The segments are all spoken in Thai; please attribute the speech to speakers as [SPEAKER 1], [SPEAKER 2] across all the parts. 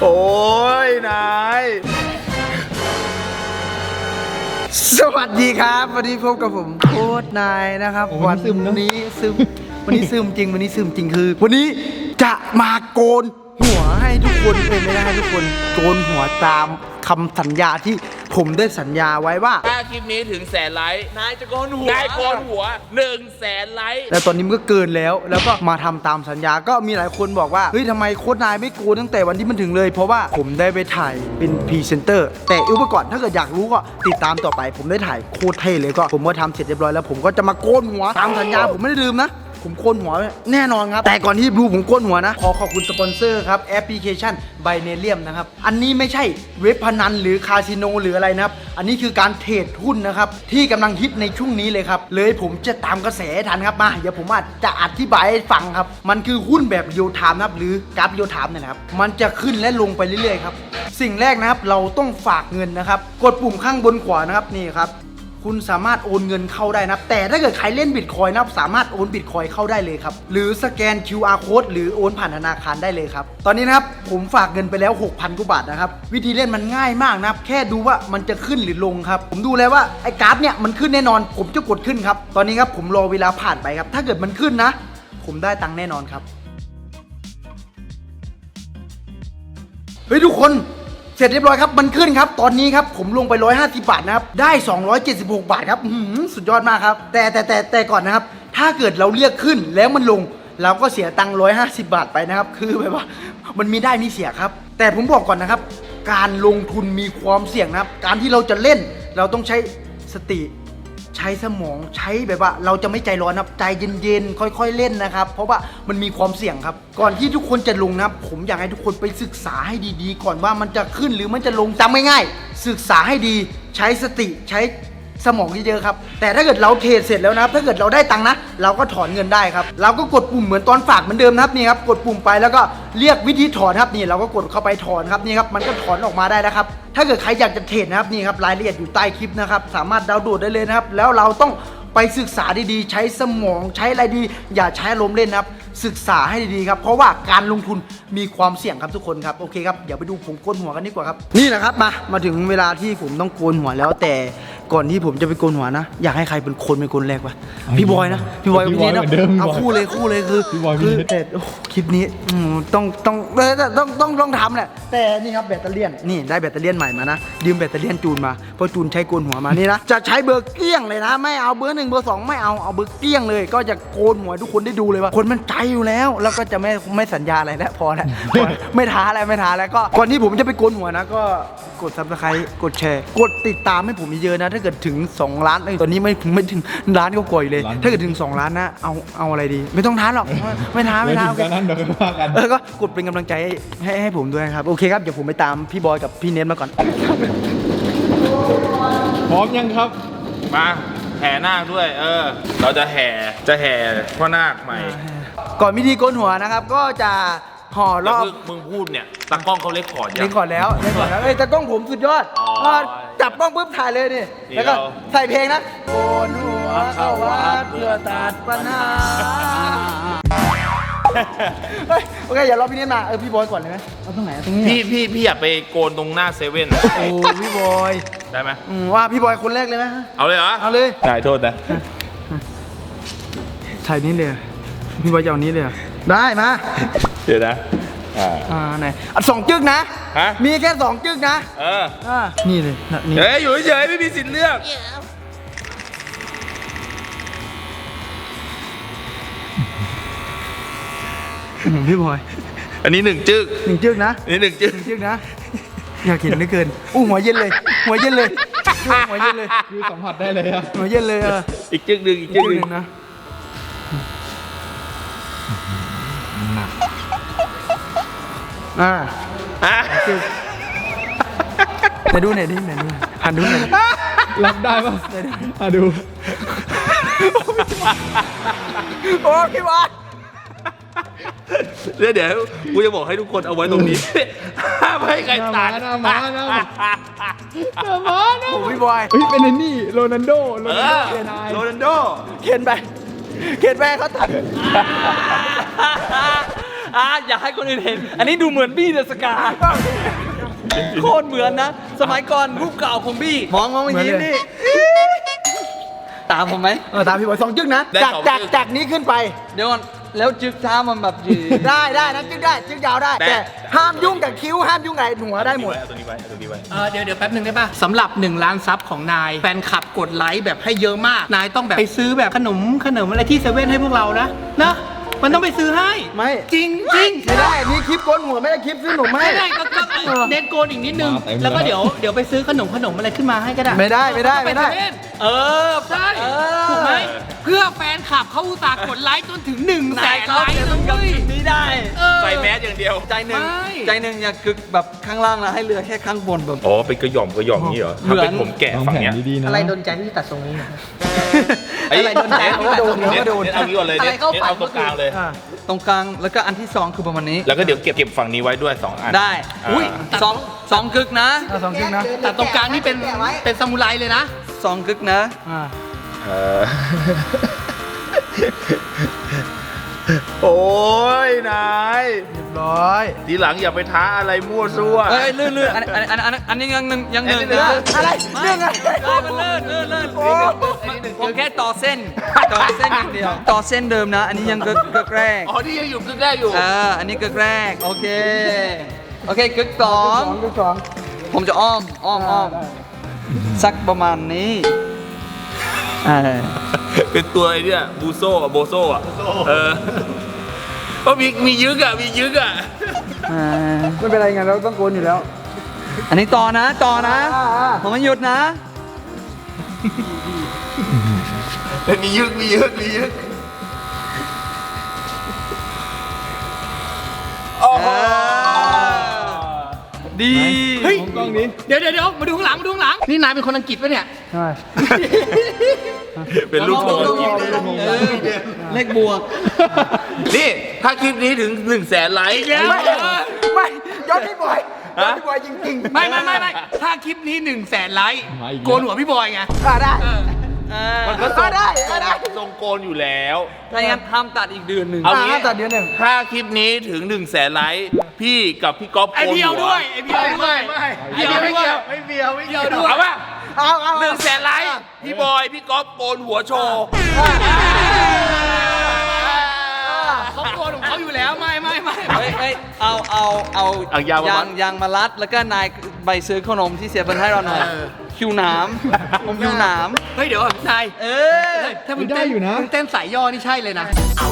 [SPEAKER 1] โอ้ยนายสวัสดีครับวันนี้พบกับผมโค้ชนายนะครับวันนี้ซึมวันนี้ซึมจริงวันนี้ซึมจริงคือวันนี้จะมาโกนหัวให้ทุกคนไม่ได้ให้ทุกคนโกนหัวตามคำสัญญาที่ผมได้สัญญาไว้ว่า
[SPEAKER 2] ถ้าคลิปนี้ถึง100,000 ไลค์
[SPEAKER 3] นายจะโกนหัวน
[SPEAKER 2] ายโกนหัว100,000 ไลค์
[SPEAKER 1] แล้วตอนนี้มันก็เกินแล้วก็มาทำตามสัญญาก็มีหลายคนบอกว่าเฮ้ยทำไมโค้ชนายไม่โกนตั้งแต่วันที่มันถึงเลยเพราะว่าผมได้ไปถ่ายเป็นพรีเซนเตอร์แต่อุปกรณ์ถ้าเกิดอยากรู้ก็ติดตามต่อไปผมได้ถ่ายโคตรเท่เลยก็ผมก็ทำเสร็จเรียบร้อยแล้วผมก็จะมาโกนหัวตามสัญญาผมไม่ได้ลืมนะผมโกนหัวแน่นอนครับแต่ก่อนที่ดูผมโกนหัวนะขอบคุณสปอนเซอร์ครับแอปพลิเคชันไบเนเลียมนะครับอันนี้ไม่ใช่เว็บพนันหรือคาสิโนหรืออะไรนะครับอันนี้คือการเทรดหุ้นนะครับที่กำลังฮิตในช่วงนี้เลยครับเลยผมจะตามกระแสทันครับมาเดี๋ยวผมจะอธิบายให้ฟังครับมันคือหุ้นแบบเรียลไทม์นะครับหรือกราฟเรียลไทม์นะครับมันจะขึ้นและลงไปเรื่อยๆครับสิ่งแรกนะครับเราต้องฝากเงินนะครับกดปุ่มข้างบนขวานะครับนี่ครับคุณสามารถโอนเงินเข้าได้นะแต่ถ้าเกิดใครเล่นบิตคอยน์นะสามารถโอนบิตคอยน์เข้าได้เลยครับหรือสแกน QR code หรือโอนผ่านธนาคารได้เลยครับตอนนี้นะครับผมฝากเงินไปแล้ว 6,000 กว่าบาทนะครับวิธีเล่นมันง่ายมากนะครับแค่ดูว่ามันจะขึ้นหรือลงครับผมดูแล้วว่าไอ้กราฟเนี่ยมันขึ้นแน่นอนผมจะกดขึ้นครับตอนนี้ครับผมรอเวลาผ่านไปครับถ้าเกิดมันขึ้นนะผมได้ตังค์แน่นอนครับเฮ้ยทุกคนเสร็จเรียบร้อยครับมันขึ้นครับตอนนี้ครับผมลงไป150 บาทนะครับได้276 บาทครับสุดยอดมากครับแต่ก่อนนะครับถ้าเกิดเราเรียกขึ้นแล้วมันลงเราก็เสียตังค์150 บาทไปนะครับคือแบบว่ามันมีได้มีเสียครับแต่ผมบอกก่อนนะครับการลงทุนมีความเสี่ยงนะครับการที่เราจะเล่นเราต้องใช้สติใช้สมองใช้แบบว่าเราจะไม่ใจร้อนครับใจเย็นๆค่อยๆเล่นนะครับเพราะว่ามันมีความเสี่ยงครับก่อนที่ทุกคนจะลงนะครับผมอยากให้ทุกคนไปศึกษาให้ดีๆก่อนว่ามันจะขึ้นหรือมันจะลงจำง่ายๆศึกษาให้ดีใช้สติใช้สมองเยอะๆครับแต่ถ้าเกิดเราเทรดเสร็จแล้วนะครับถ้าเกิดเราได้ตังค์นะเราก็ถอนเงินได้ครับเราก็กดปุ่มเหมือนตอนฝากเหมือนเดิมนะครับนี่ครับกดปุ่มไปแล้วก็เรียกวิธีถอนครับนี่เราก็กดเข้าไปถอนครับนี่ครับมันก็ถอนออกมาได้แล้วครับถ้าเกิดใครอยากจะเทรดนะครับนี่ครับรายละเอียดอยู่ใต้คลิปนะครับสามารถดาวน์โหลดได้เลยนะครับแล้วเราต้องไปศึกษาดีๆใช้สมองใช้อะไรดีอย่าใช้ลมเล่นนะครับศึกษาให้ดีๆครับเพราะว่าการลงทุนมีความเสี่ยงครับทุกคนครับโอเคครับเดี๋ยวไปดูผมโกนหัวกันดีกว่าครับนี่แหละครับมาถึงเวลาที่ผมต้องโกนหัวแล้วแต่ก่อนที่ผมจะไปโกนหัวนะอยากให้ใครเป็นคนแรกวะพี่บอยนะพี่บอยพี่เนทนะเอาคู่เลยคือแต่คลิปนี้ต้องทำแหละแต่นี่ครับแบตเตอรี่นี่ได้แบตเตอรี่ใหม่มานะยืมแบตเตอรี่จูนมาเพราะจูนใช้โกนหัวมานี่นะจะใช้เบอร์เกี้ยงเลยนะไม่เอาเบอร์1เบอร์2ไม่เอาเบอร์เกี้ยงเลยก็จะโกนหัวทุกคนได้ดูเลยว่าคนมันใจอยู่แล้วแล้วก็จะไม่สัญญาอะไรแล้วพอแล้วไม่ท้าแล้วก็ก่อนที่ผมจะไปโกนหัวนะก็กด Subscribe กดแชร์กดติดตามให้ผมเยอะๆนะถ้าเกิดถึง2 ล้านตอนนี้ไม่ถึงล้านก็ก่อยเลยถ้าเกิดถึง2 ล้านนะเอาอะไรดีไม่ต้องท้าหรอกไม่ท้าโอเคนั้นเดี๋ยวว่ากันก็กดเป็นกำลังใจให้ผมด้วยครับโอเคครับเดี๋ยวผมไปตามพี่บอยกับพี่เนทมาก่อน
[SPEAKER 3] พร้อมยังครับ
[SPEAKER 2] มาแห่นาคด้วยเราจะแห่พ่อนาคใหม่
[SPEAKER 1] ก่อนพิธีโกนหัวนะครับก็จะห่อรอบ
[SPEAKER 2] มึงพูดเนี่ยตากล้องเขาเล็กขอดยัง
[SPEAKER 1] เล็กก่อนแล้วตากล้องผมสุดยอดจับกล้องปุ๊บถ่ายเลยนี่แล้วก็ใส่เพลงนะโกนหัวเข้าวัดเพื่อตัดปัญหาโอเคอย่ารอพี่เนทมาพี่บอยก่อนเลยไหมเอาตรงไหนตรงนี้
[SPEAKER 2] พี่อยากไปโกนตรงหน้าเซเว่น
[SPEAKER 1] โอ้พี่บอย
[SPEAKER 2] ได้ไหม
[SPEAKER 1] ว่าพี่บอยคนแรกเลยไหม
[SPEAKER 2] เอาเลยเหรอ
[SPEAKER 1] เอาเลย
[SPEAKER 2] ได้โทษนะ
[SPEAKER 1] ถ่ายนี้เลยพี่บอยจะเอานี้เลยได้มา
[SPEAKER 2] เดี๋ยวนะ
[SPEAKER 1] ไหน2 จึ๊กนะมีแค่2 จึ๊กนะนี่เลยนี่
[SPEAKER 2] อยู่เฉยไม่มีสิทธิ์เลือก
[SPEAKER 1] พี่บอย
[SPEAKER 2] อันนี้1 จึ๊ก
[SPEAKER 1] นะ
[SPEAKER 2] นี่1 จึ๊ก
[SPEAKER 1] นะอยากเห็นเหลือเกินหัวเย็นเลยหัวเย็นเลย
[SPEAKER 3] คือสัมผัสได้เลย
[SPEAKER 1] หัวเย็นเลย
[SPEAKER 2] อีกจึ๊กหนึ่ง
[SPEAKER 1] นะแต่ดูไหนดิหันดูหน่อย
[SPEAKER 3] รับได้ป่ะดู
[SPEAKER 1] โอ้พี่วะ
[SPEAKER 2] เดี๋ยวกูจะบอกให้ทุกคนเอาไว้ตรงนี้ห้ามให้ใครตัด
[SPEAKER 3] มา
[SPEAKER 1] โอ้พี่บอย
[SPEAKER 3] เป็นนี่โรนัลโด
[SPEAKER 1] เขียนไปเขาตัด
[SPEAKER 4] อยากให้คนอื่นเห็น อันนี้ดูเหมือนบี้เดอะสกาโคตรเหมือนนะ สมัยก่อนรูปเก่าของบี้มองเมื่อกี้นี่ตามผมไหม
[SPEAKER 1] ตามพี่บอย2 จึ๊กนะ
[SPEAKER 2] ได้
[SPEAKER 1] จาก
[SPEAKER 2] สอง
[SPEAKER 1] จาก
[SPEAKER 2] จึ๊ก
[SPEAKER 1] จากนี้ขึ้นไป
[SPEAKER 4] เดี๋ยวก่อนแล้วจึกเท้ามันแบบยืน
[SPEAKER 1] ได้นะจึ๊กได้จึ๊กยาวได้
[SPEAKER 2] แต่
[SPEAKER 1] แต่ห้ามยุ่งกับคิ้วห้ามยุ่งกับหัวได้หมด
[SPEAKER 2] เอาตัวนี้ไว้เอาตัวนี้ไว้
[SPEAKER 5] เดี๋ยวแป๊บหนึ่งได้ป่ะสำหรับ1 ล้านซับของนาย แฟนคลับกดไลค์แบบให้เยอะมาก นายต้องแบบไปซื้อแบบขนมอะไรที่เซเว่นให้พวกเรานะ มันต้องไปซื้อให้
[SPEAKER 1] ไม่
[SPEAKER 5] จริง
[SPEAKER 1] ไม่ได้นี่คลิปโกนหัวไม่ได้คลิปซื้อหนุ่มให้
[SPEAKER 5] ไม่ได้ก็เน้นโกนอีกนิดนึง แล้วก็เดี๋ยวไปซื้อขนมอะไรขึ้นมาให้ก็ได้
[SPEAKER 1] ไม่ได้
[SPEAKER 5] ปเซเว่นใช่ถูกไหมเพื่อแฟนคลับเขาอุตส่าห์กดไลค์จนถึง1 แสนไลค์
[SPEAKER 4] ต้อง
[SPEAKER 5] นะ
[SPEAKER 4] กับ
[SPEAKER 5] เว้ย
[SPEAKER 4] จุดนี้ได้
[SPEAKER 2] ใส่แมสอย่างเดียว
[SPEAKER 4] ใจหนึ่ง
[SPEAKER 5] ไม่
[SPEAKER 4] ใจหนึ่งอย่ากึกแบบข้างล่างนะให้เหลือแค่ข้างบนแบบ
[SPEAKER 2] อ๋อเป็นกระหย่อมนี้เหรอ
[SPEAKER 4] เหมื
[SPEAKER 2] ถ้า
[SPEAKER 4] อน
[SPEAKER 2] เป็นผมแกะ
[SPEAKER 3] วาง
[SPEAKER 2] ฝั่ง
[SPEAKER 3] แผน
[SPEAKER 2] เนี้ย
[SPEAKER 3] ดีๆนะ
[SPEAKER 5] อะไรโดนใจที่ตัดทรงนี้
[SPEAKER 2] อะไรโดนใจ
[SPEAKER 1] โดน
[SPEAKER 2] เน็ตเอางี้ก่อนเลย
[SPEAKER 5] อะไร
[SPEAKER 2] เน็ต
[SPEAKER 5] เข้าฝัน
[SPEAKER 2] เอาตรงกลางเลย
[SPEAKER 4] ตรงกลางแล้วก็อันที่สองคือประมาณนี้
[SPEAKER 2] แล้วก็เดี๋ยวเก็บฝั่งนี้ไว้ด้วย2 อัน
[SPEAKER 4] ได้
[SPEAKER 2] อุ้ย
[SPEAKER 4] สองกึกนะ
[SPEAKER 1] 2 จึ๊กนะ
[SPEAKER 5] แต่ตรงกลางนี่เป็นซามูไรเลยนะ
[SPEAKER 4] 2 กึกนะ
[SPEAKER 2] โอ้ยนาย
[SPEAKER 1] เรียบร้อย
[SPEAKER 2] ทีหลังอย่าไปท้าอะไรมั่วซั่ว
[SPEAKER 4] เอ้ยลื่นอันนี้ยังหนึ่งนะ
[SPEAKER 1] อะไรเรื่องอะไร
[SPEAKER 4] มันลื่นผมแค่ต่อเส้นอย่างเดียวต่อเส้นเดิมนะ อันนี้ยังกึกแรก
[SPEAKER 2] อ๋อที่ยังอยู่กึ่งแรกอยู่
[SPEAKER 4] อันนี้กึกแรกโอเคกึกสอง
[SPEAKER 1] จึ๊ก 2
[SPEAKER 4] ผมจะอ้อมสักประมาณนี้
[SPEAKER 2] เป็นตัวไอ้เนี่ยบูโซ่อะโบโซ่อะก็มียึกอะ
[SPEAKER 1] ไม่เป็นไรไงเราต้องโกนอยู่แล้ว
[SPEAKER 4] อันนี้ต่อนะผมไม่หยุดนะ
[SPEAKER 2] มียึกโอ้โห
[SPEAKER 4] ดี
[SPEAKER 5] เฮ้ย
[SPEAKER 3] มองกล้องนี้
[SPEAKER 5] เดี๋ยวมาดูข้างหลังนี่นายเป็นคนอังกฤษปะเนี่ย
[SPEAKER 1] ใช่
[SPEAKER 2] เป็นลูกโป่ง
[SPEAKER 4] เลขบวก
[SPEAKER 2] นี่ถ้าคลิปนี้ถึง1 แสนไลค์
[SPEAKER 1] ไม่ย้อนพี่บอยจริงๆ
[SPEAKER 5] ไม่ถ้าคลิปนี้1 แสนไลค์
[SPEAKER 3] มาอีกแล้ว
[SPEAKER 5] โกนหัวพี่บอยไง
[SPEAKER 1] ได้
[SPEAKER 2] มันก็
[SPEAKER 1] ได้
[SPEAKER 2] ทรงโกนอยู่แล้ว
[SPEAKER 4] ถ้าอย่างนั้นห้ามตัดอีกเดือนหนึ่ง
[SPEAKER 2] เอางี้
[SPEAKER 1] ตัดเดือนหนึ่ง
[SPEAKER 2] ถ้าคลิปนี้ถึง1 แสนไลค์พี่กับพี่ก๊อฟ
[SPEAKER 5] ไอ
[SPEAKER 2] โกน
[SPEAKER 5] เพียว
[SPEAKER 2] หัว
[SPEAKER 5] ด้วยไอเพียวด้วย
[SPEAKER 1] ไม่เบียว
[SPEAKER 5] เพียวด้วย
[SPEAKER 2] เอาป่ะ
[SPEAKER 1] เอา
[SPEAKER 2] 1 แสนไลค์พี่บอยพี่ก๊อฟโกนหัวโชว์
[SPEAKER 5] เขาโกนของเขาอยู่แล้วไม่
[SPEAKER 4] เฮ้ยเอายางมารัดแล้วก็นายใบซื้อขนมที่เสียบนให้เราหน่อยคิวหนามผมคิวหนาม
[SPEAKER 5] เฮ้ยเดี๋ยวนายถ้ามึง
[SPEAKER 3] ได้อยู่นะ
[SPEAKER 5] มึงเต้นสายย่อนี่ใช่เลยนะ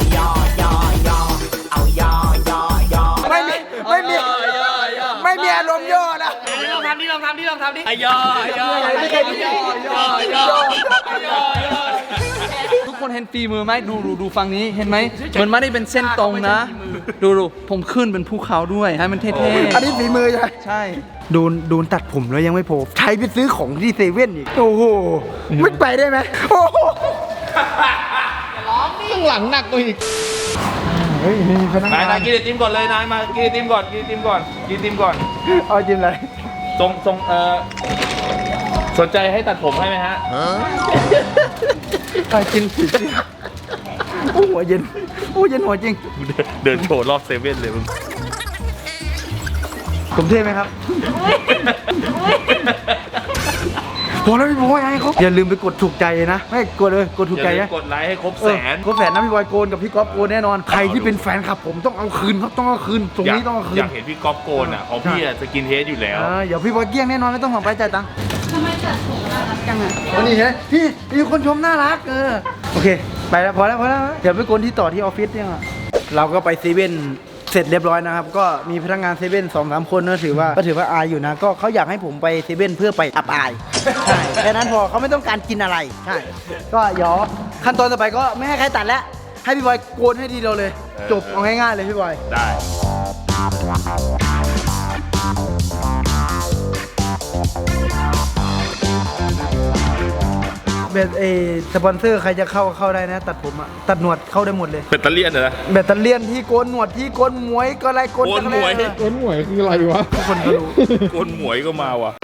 [SPEAKER 1] ไม่มีอารมณ์ย่อนะ
[SPEAKER 5] ลองทำดิไอย่อ
[SPEAKER 1] ไม่เคยดู
[SPEAKER 4] ทุกคนเห็นฝีมือไหมดูฝั่งนี้เห็นไหมมันไม่ได้เป็นเส้นตรงนะ ดูผมขึ้นเป็นภูเขาด้วยให้มันเท่
[SPEAKER 1] อันนี้ฝีมือใช่ไหม
[SPEAKER 4] ๆใช่
[SPEAKER 1] โดนตัดผมแล้วยังไม่พอใช้ไปซื้อของที่เซเว่นอีก โอ้โหไม่ไปได้ไหมโอ้โห
[SPEAKER 3] ข้างหลังหนักกว่าอีก
[SPEAKER 1] เฮ้ยมีพนักงาน
[SPEAKER 2] ายกินไอติมก่อนเลยนายมากินไอติมก่อน
[SPEAKER 1] เอาจิ้มอะไร
[SPEAKER 2] ทรงสนใจให้ตัดผมให้ไหมฮะ
[SPEAKER 1] กินสิโอ้หัวเย็นหัวจริง
[SPEAKER 2] เดินโชว์รอบเซเว่นเลยมึง
[SPEAKER 1] ผมเท่ไหมครับพอแล้วพี่บอยให้เขาอย่าลืมไปกดถูกใจนะไม่กดเลยกดถูกใจ
[SPEAKER 2] อย่า
[SPEAKER 1] นะ
[SPEAKER 2] ลืมกดไลค์ให้ครบ
[SPEAKER 1] เอ
[SPEAKER 2] แส
[SPEAKER 1] อน ครบแสนนะพี่บอยโกนกับพี่ก๊อฟโกนแน่นอนใครที่เป็นแฟนคลับผมต้องเอาคืนครับต้องเอาคืนตรงนี้ต้องเอาคื
[SPEAKER 2] อน ยากเห็นพี่ก๊อฟโกนอ่ะของพี่อะสกินเฮดอยู่แล้ว
[SPEAKER 1] เดี๋ยวพี่บอยเกี้ยงแน่นอนไม่ต้องห่วงไปจ่ายตังค์ทำไมตัดผมน่ารักจังอ่ะวันนี้เห็นไหมพี่มีคนชมน่ารักโอเคไปแล้วพอแล้วเดี๋ยวไปโกนที่ต่อที่ออฟฟิศเนี่ยเราก็ไปเซเว่นเสร็จเรียบร้อยนะครับก็มีพนักงานเซเว่น2-3 คนก็ถือว่าอายอยู่นะก็เขาอยากให้ผมไปเซเว่นเพื่อไปอับอายใช่แค่นั้นพอเขาไม่ต้องการกินอะไรใช่ก็เดี๋ยวขั้นตอนต่อไปก็ไม่ให้ใครตัดแล้วให้พี่บอยโกนให้ทีเดียวเลยจบเอาง่ายๆเลยพี่บอย
[SPEAKER 2] ได้
[SPEAKER 1] แบบสปอนเซอร์ใครจะเข้าได้นะตัดผมอะตัดหนวดเข้าได้หมดเลย
[SPEAKER 2] แบตเตอรี่เหรอ
[SPEAKER 1] แบตเตอเลียนที่โกนหนวดที่โกนหมวยก็อะไรโกน
[SPEAKER 2] โกนหมวย
[SPEAKER 1] จักรแล
[SPEAKER 3] ต้นหวยคืออะไรวะ
[SPEAKER 1] ทุกคนก็รู้
[SPEAKER 2] โกนหมวยก็มาว่ะ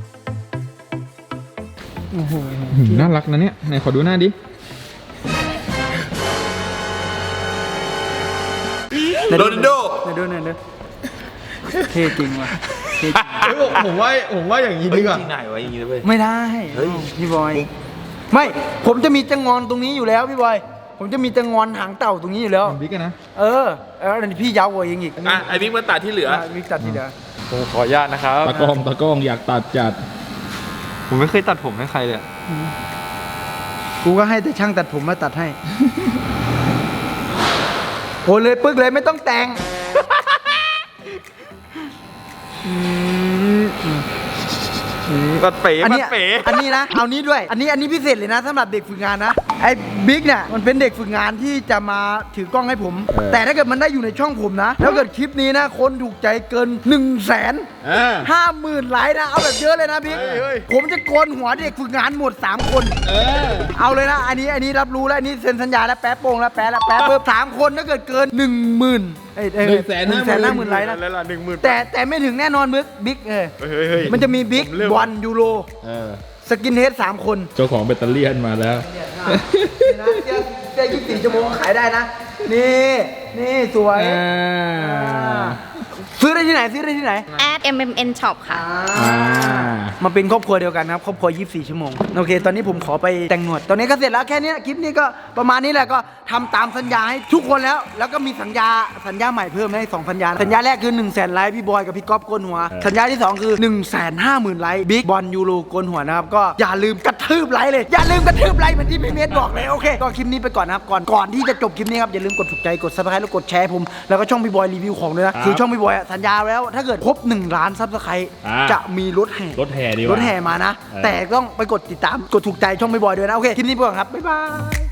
[SPEAKER 3] น่ารักนะเนี่ยไหนขอดูหน้าดิ
[SPEAKER 2] โรนัลโด
[SPEAKER 1] ไหนดูเท่จริงว่ะเท่จริง
[SPEAKER 3] เฮ้ยผมว่าอย่างนี้ดีกว่า
[SPEAKER 2] ที่ไหนวะอย่างนี้เลย
[SPEAKER 1] ไม่ได้พี่บอยไม่ผมจะมีจังงอนตรงนี้อยู่แล้วพี่บอยผมจะมีจังงอนหางเต่าตรงนี้อยู่แล้ว
[SPEAKER 3] บิ๊กอะนะ
[SPEAKER 1] เอออันนี้พี่ยาวกว่าเองอีก
[SPEAKER 2] อ่ะไอ้บิ๊กมาตัดที่เหลือ
[SPEAKER 1] มิกตัดทีเดียว
[SPEAKER 4] ผมขออนุญาตนะครับ
[SPEAKER 3] ตะกล้องอยากตัดจัด
[SPEAKER 4] ผมไม่เคยตัดผมให้ใครเลย
[SPEAKER 1] กูก็ให้แต่ช่างตัดผมมาตัดให้โหเลยปึ๊กเลยไม่ต้องแต่ง
[SPEAKER 4] ตัดเป๋
[SPEAKER 1] อัน
[SPEAKER 4] ตั
[SPEAKER 1] นี้
[SPEAKER 4] ดเป๋
[SPEAKER 1] อันนี้นะเอานี้ด้วยอันนี้พิเศษเลยนะสำหรับเด็กฝึกงานนะไอ้บิ๊กเนี่ยมันเป็นเด็กฝึกงานที่จะมาถือกล้องให้ผม แต่ถ้าเกิดมันได้อยู่ในช่องผมนะแล้วเกิดคลิปนี้นะคนถูกใจเกิน 150,000 ไลค์นะเอาแบบเยอะเลยนะบิ๊กผมจะโกนหัวเด็กฝึกงานหมด3 คนเอาเลยนะอันนี้รับรู้แล้วอันนี้เซ็นสัญญาแล้วแป๊บโป่งแล้วแป๊บเพิ่ม3 คนถ้าเกิดเกิน 10,000 150,000 ไลค์นะ
[SPEAKER 2] แล้วล่ะ10,000
[SPEAKER 1] แต่ไม่ถึงแน่นอนบิ๊กมันจะมีบิ๊กบอลยูโรสกินเฮด3 คน
[SPEAKER 3] เจ้าของแบตเตอรี่มาแล้ว
[SPEAKER 1] เสื้อ24 ชั่วโมงขายได้นะ นี่สวยซื้อได้ที่ไหน
[SPEAKER 6] @MMN Shop ค่ะ
[SPEAKER 1] มาเป็นครอบครัวเดียวกันครับครอบครัว24 ชั่วโมงโอเคตอนนี้ผมขอไปแต่งหนวดตอนนี้ก็เสร็จแล้วแค่นี้คลิปนี้ก็ประมาณนี้แหละก็ทำตามสัญญาให้ทุกคนแล้วก็มีสัญญาใหม่เพิ่มให้2 สัญญาสัญญาแรกคือ 100,000 ไลค์พี่บอยกับพี่ก๊อฟโกนหัวสัญญาที่2คือ150,000 ไลค์บิ๊กบอลยูโรโกนหัวนะครับก็อย่าลืมกระทืบไลค์เลยอย่าลืมกระทืบไลค์เหมือนที่พี่เมธบอกเลยโอเคก็คลิปนี้ไปก่อนนะครับก่อนที่จะจบคลิปนี้ครับอย่าลืมกดถูกใจกด Subscribe แล้วกดแชร์ผมแล้วก็ช่องพี่บอยรีวิวของด้วยนะคือช่องพี่บอยสัญญาแล้วถ้าเกิดครบ1 ล้าน Subscribe จะมีรถแห่
[SPEAKER 3] รถแห่ดีกว่า
[SPEAKER 1] รถแห่มานะ แต่ต้องไปกดติดตามกดถูกใจช่องพี่บอยด้วยนะโอเคคลิปนี้ไปก่อนครับบ๊ายบาย